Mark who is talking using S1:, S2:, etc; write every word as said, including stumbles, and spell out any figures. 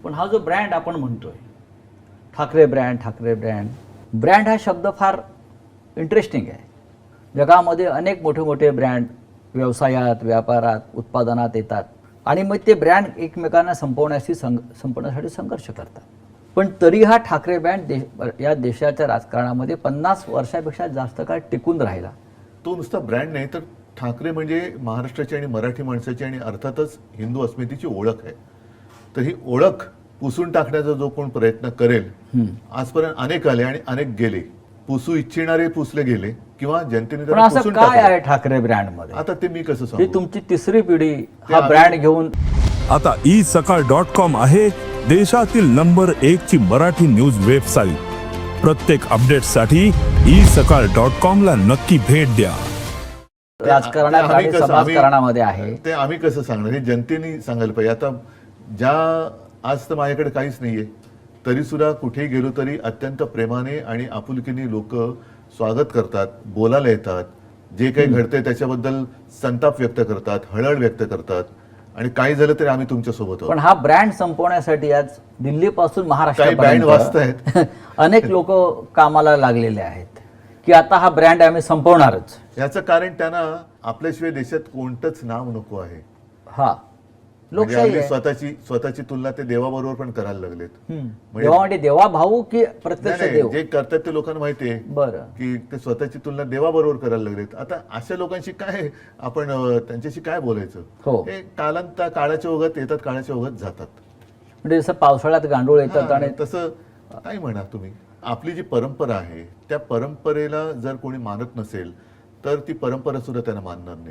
S1: पण हा जो ब्रँड आपण म्हणतोय Thackeray brand Thackeray brand brand हा शब्द फार इंटरेस्टिंग आहे. जगामध्ये अनेक मोठे मोठे ब्रँड व्यवसायात व्यापारात उत्पादनात येतात आणि मग ते ब्रँड एकमेकांना संपवण्याशी संघ संपवण्यासाठी संघर्ष करतात. पण तरी हा ठाकरे ब्रँड देश या देशाच्या राजकारणामध्ये पन्नास वर्षापेक्षा जास्त काळ टिकून राहिला.
S2: तो नुसता ब्रँड नाही तर ठाकरे म्हणजे महाराष्ट्राची आणि मराठी माणसाची आणि अर्थातच हिंदू अस्मितेची ओळख आहे. तर ही ओळख पुसून टाकण्याचा जो कोण प्रयत्न करेल, आजपर्यंत अनेक आले आणि अनेक गेले. पुसू इच्छिणारे पुसले गेले किंवा जनतेने
S1: पण
S2: त्याला
S1: असं
S2: पुसून
S1: काय
S2: टाकलं.
S1: आहे ठाकरे ब्रँड मध्ये?
S2: आता ते मी कसं
S1: ही
S2: सांगू?
S1: तुमची तिसरी पिढी
S2: ते
S1: हा
S2: आम्ही-
S1: ब्रँड घेऊन.
S3: आता ई सकाळ डॉट कॉम आहे देशातील नंबर एक ची मराठी न्यूज वेबसाईट. प्रत्येक अपडेटसाठी ई सकाळ डॉट कॉम ला नक्की भेट द्या.
S2: ते
S1: राजकारणात
S2: आम्ही
S1: आणि
S2: कसं- आम्ही-
S1: समाजकारणामध्ये आहे.
S2: ते आम्ही कसं सांगणार? हे जनतेने सांगायला पाहिजे. आता ज्या आज तर माझ्याकडे काहीच नाहीये तरी सुद्धा कुठेही गेलो तरी अत्यंत प्रेमाने आणि आपुलकीने लोक स्वागत करतात, बोलायला येतात, जे काही घडतंय त्याच्याबद्दल संताप व्यक्त करतात, हळहळ व्यक्त करतात आणि काही झालं तरी आम्ही तुमच्या सोबत आहोत.
S1: पण हा ब्रँड संपवण्यासाठी आज दिल्लीपासून
S2: काही बँड
S1: महाराष्ट्रापर्यंत
S2: वाजतायत.
S1: अनेक लोक कामाला लागलेले आहेत की आता हा ब्रँड आम्ही संपवणारच.
S2: याचं कारण त्यांना आपल्याशिवाय देशात कोणतंच नाव नको आहे.
S1: हा
S2: म्हणजे
S1: लोकशाही
S2: अगदी
S1: आहे.
S2: स्वतःची स्वतःची तुलना ते देवाबरोबर पण करायला लागलेत.
S1: हम्म.
S2: म्हणजे-
S1: देवा म्हणजे देवा भाऊ की
S2: नाही,
S1: प्रत्यक्ष
S2: नाही,
S1: देव?
S2: जे करतात ते लोकांना माहिती आहे
S1: बरं.
S2: की ते स्वतःची तुलना देवाबरोबर करायला लागलेत. आता अशा लोकांशी काय आपण अं, त्यांच्याशी काय बोलायचं?
S1: हो.
S2: हे कालांत काळाच्या ओघात येतात, काळाच्या ओघात जातात.
S1: म्हणजे जसं पावसाळ्यात गांडूळ येतात
S2: हा,
S1: आणि
S2: तसं काय म्हणा तुम्ही. आपली जी परंपरा आहे त्या परंपरेला जर कोणी मानत नसेल तर ती परंपरा सुद्धा त्यांना मानणार नाही.